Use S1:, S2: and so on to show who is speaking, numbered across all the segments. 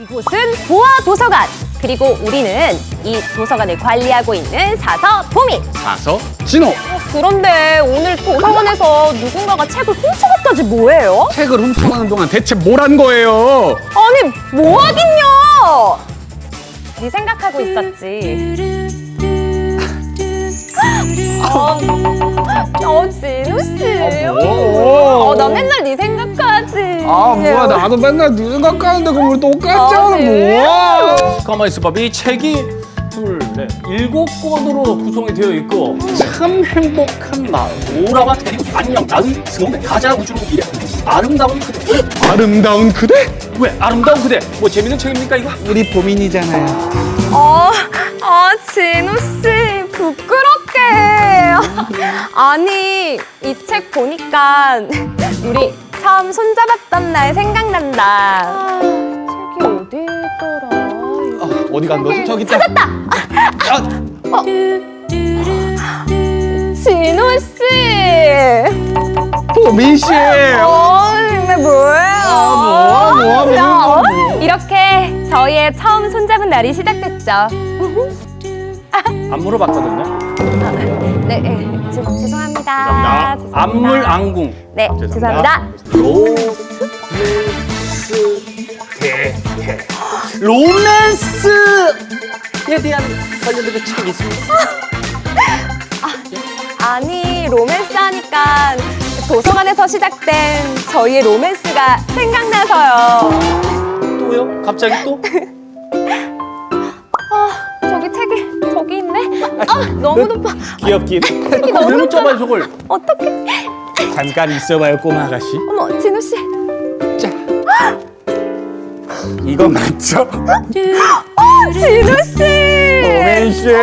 S1: 이곳은 보아 도서관. 그리고 우리는 이 도서관을 관리하고 있는 사서 보미.
S2: 사서 진호.
S1: 그런데 오늘 도서관에서 누군가가 책을 훔쳐갔다지 뭐예요?
S2: 책을 훔쳐가는 동안 대체 뭘 한 거예요?
S1: 아니 뭐 하긴요. 네 생각하고 있었지. 진우 씨.
S2: 뭐?
S1: 나 맨날 네 생각하지.
S2: 뭐야, 나도 맨날 네 생각하는데 그걸 똑같잖아. 뭐야?
S3: 가만히 있어봐. 이 책이 둘, 넷, 7권으로 구성이 되어 있고 참 행복한 마음, 오라와 대리고 안녕, 나의 승원의 가자 우주로 이래 아름다운 그대.
S2: 아름다운 그대?
S3: 왜 아름다운 그대? 뭐 재밌는 책입니까 이거?
S2: 우리 보민이잖아요.
S1: 진우 씨 부끄럽게. 아니 이 책 보니까 우리 처음 손잡았던 날 생각난다. 책이 어디 있더라?
S2: 어디 간 거지? 저기 있다.
S1: 찾았다. 진우 씨.
S2: 보민 씨.
S1: 정말 뭐예요?
S2: 뭐야.
S1: 이렇게 저희의 처음 손잡은 날이 시작됐죠.
S3: 안 물어봤거든요.
S1: 네, 죄송합니다.
S3: 안물안궁.
S1: 네, 죄송합니다.
S3: 로맨스에 대한 관련된 책이 있습니다.
S1: 아니, 로맨스 하니까 도서관에서 시작된 저희의 로맨스가 생각나서요.
S3: 또요? 갑자기 또?
S1: 저기 책이 저기 있네. 너무 높아.
S2: 귀엽긴.
S1: 책이 너무
S3: 왜
S1: 높아.
S3: 쫓아봐요 저걸?
S1: 어떡해.
S2: 잠깐 있어봐요, 꼬마 아가씨.
S1: 어머, 진우 씨.
S2: 이거 맞죠?
S1: 진우 씨.
S2: 보민 씨.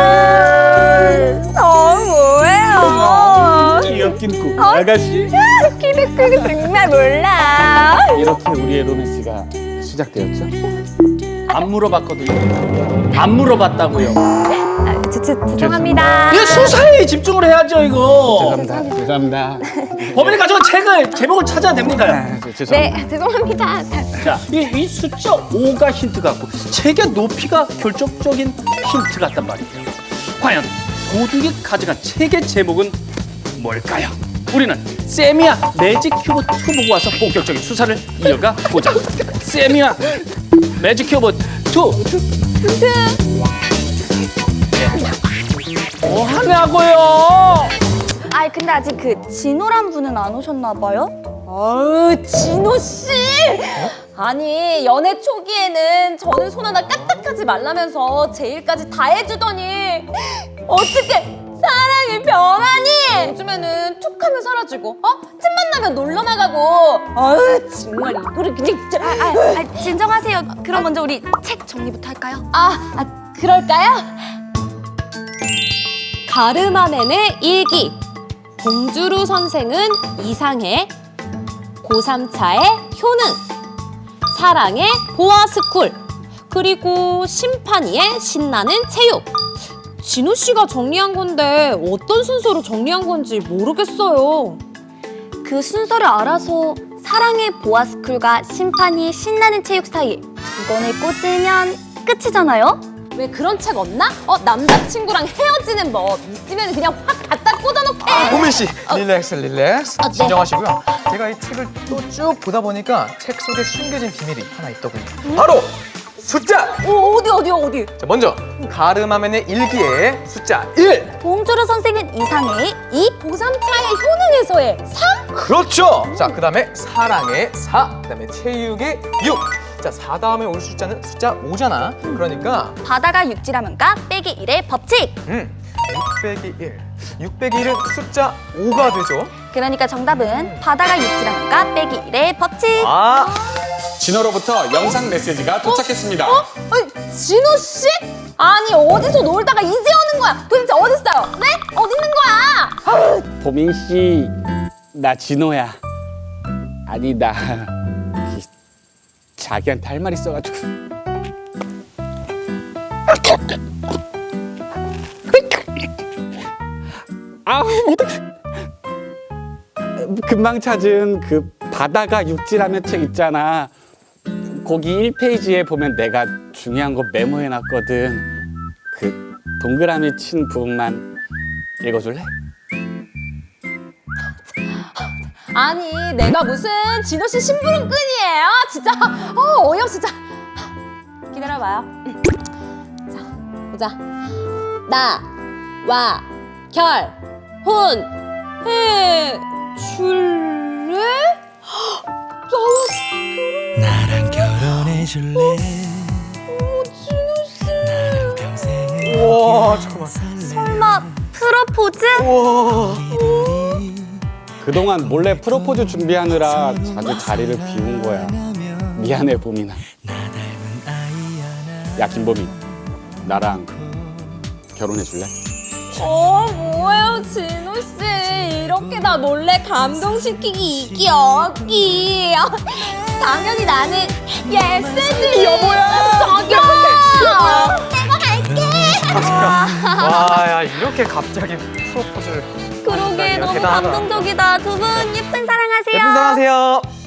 S1: 뭐예요?
S2: 귀엽긴 꼬마 아가씨.
S1: 키도 크고 정말 몰라.
S2: 이렇게 우리의 로맨스가 시작되었죠?
S3: 안 물어봤거든요. 안 물어봤다고요.
S1: 죄송합니다.
S3: 이거 수사에 집중을 해야죠 이거.
S2: 죄송합니다.
S3: 범인이 가져온 책을 제목을 찾아야 됩니다.
S2: 죄송합니다.
S1: 네, 죄송합니다.
S3: 자, 이 숫자 5가 힌트 같고 책의 높이가 결정적인 힌트 같단 말이에요. 과연 도둑이 가져간 책의 제목은 뭘까요? 우리는 세미야 매직 큐브 2 보고 와서 본격적인 수사를 이어가 보자. 세미야 매직 큐브 2. 뭐 하냐고요?
S4: 아이 근데 아직 그 진호란 분은 안 오셨나 봐요?
S1: 진호 씨! 아니, 연애 초기에는 저는 손 하나 까딱하지 말라면서 제 일까지 다 해주더니 어떻게 사랑이 변하니? 요즘에는 툭 하면 사라지고 틈만 나면 놀러 나가고 정말 이거를 그냥 진짜
S4: 진정하세요. 그럼 먼저 우리 책 정리부터 할까요?
S1: 그럴까요? 가르마맨의 일기. 봉주루 선생은 이상해. 고3차의 효능. 사랑의 보아스쿨. 그리고 심판이의 신나는 체육. 진우 씨가 정리한 건데 어떤 순서로 정리한 건지 모르겠어요.
S4: 그 순서를 알아서 사랑의 보아스쿨과 심판이의 신나는 체육 사이에 두 권을 꽂으면 끝이잖아요?
S1: 왜 그런 책 없나? 남자친구랑 헤어지는 법 있으면 그냥 확 갖다 꽂아놓게.
S5: 보민 씨, 릴렉스.
S1: 네.
S5: 진정하시고요. 제가 이 책을 또 쭉 보다 보니까 책 속에 숨겨진 비밀이 하나 있더군요. 바로 숫자.
S1: 어디?
S5: 자, 먼저 가르마멘의 일기에 숫자 1.
S4: 봉주루 선생은 이상해.
S1: 고3차의 효능에서의 3?
S5: 그렇죠. 자, 그다음에 사랑의 4. 그다음에 체육의 6. 자, 4 다음에 올 숫자는 숫자 5잖아. 그러니까
S4: 바다가 육지라면가 빼기 1의 법칙.
S5: 6 빼기 1. 6 빼기 1은 숫자 5가 되죠.
S4: 그러니까 정답은 바다가 육지라면가 빼기 1의 법칙.
S2: 진호로부터 영상 메시지가 도착했습니다.
S1: 진우 씨? 아니 어디서 놀다가 이제 오는 거야? 도대체 어디 있어요? 네? 어디 있는 거야?
S2: 보민 씨, 나 진호야. 아니 나 자기한테 할 말 있어가지고. 어떡해. 금방 찾은 그 바다가 육지라면 책 있잖아. 거기 1페이지에 보면 내가 중요한 거 메모해놨거든. 그 동그라미 친 부분만 읽어줄래?
S1: 아니 내가 무슨 진호 씨 심부름꾼이에요? 진짜 어이없어 진짜. 기다려봐요. 자 보자. 나, 와, 결, 혼, 해, 줄래?
S6: 나랑 결혼해 줄래?
S1: 진호 씨.
S6: 나랑 평생을
S5: 우와, 잠깐만.
S4: 설마 프로포즈?
S5: 우와.
S2: 그동안 몰래 프로포즈 준비하느라 자주 자리를 비운 거야. 미안해 보민아. 야 김보민, 나랑 결혼해줄래?
S1: 뭐예요 진호 씨 이렇게 나 몰래 감동시키기 이기 어기. 당연히 나는 예스지 여보야. 저기요. 내가 갈게.
S5: 와, 야, 이렇게 갑자기 프로포즈를.
S4: 그러게
S5: 야,
S4: 너무
S5: 대단하다.
S4: 감동적이다. 두 분 예쁜 사랑하세요.
S5: 예쁜 사랑하세요.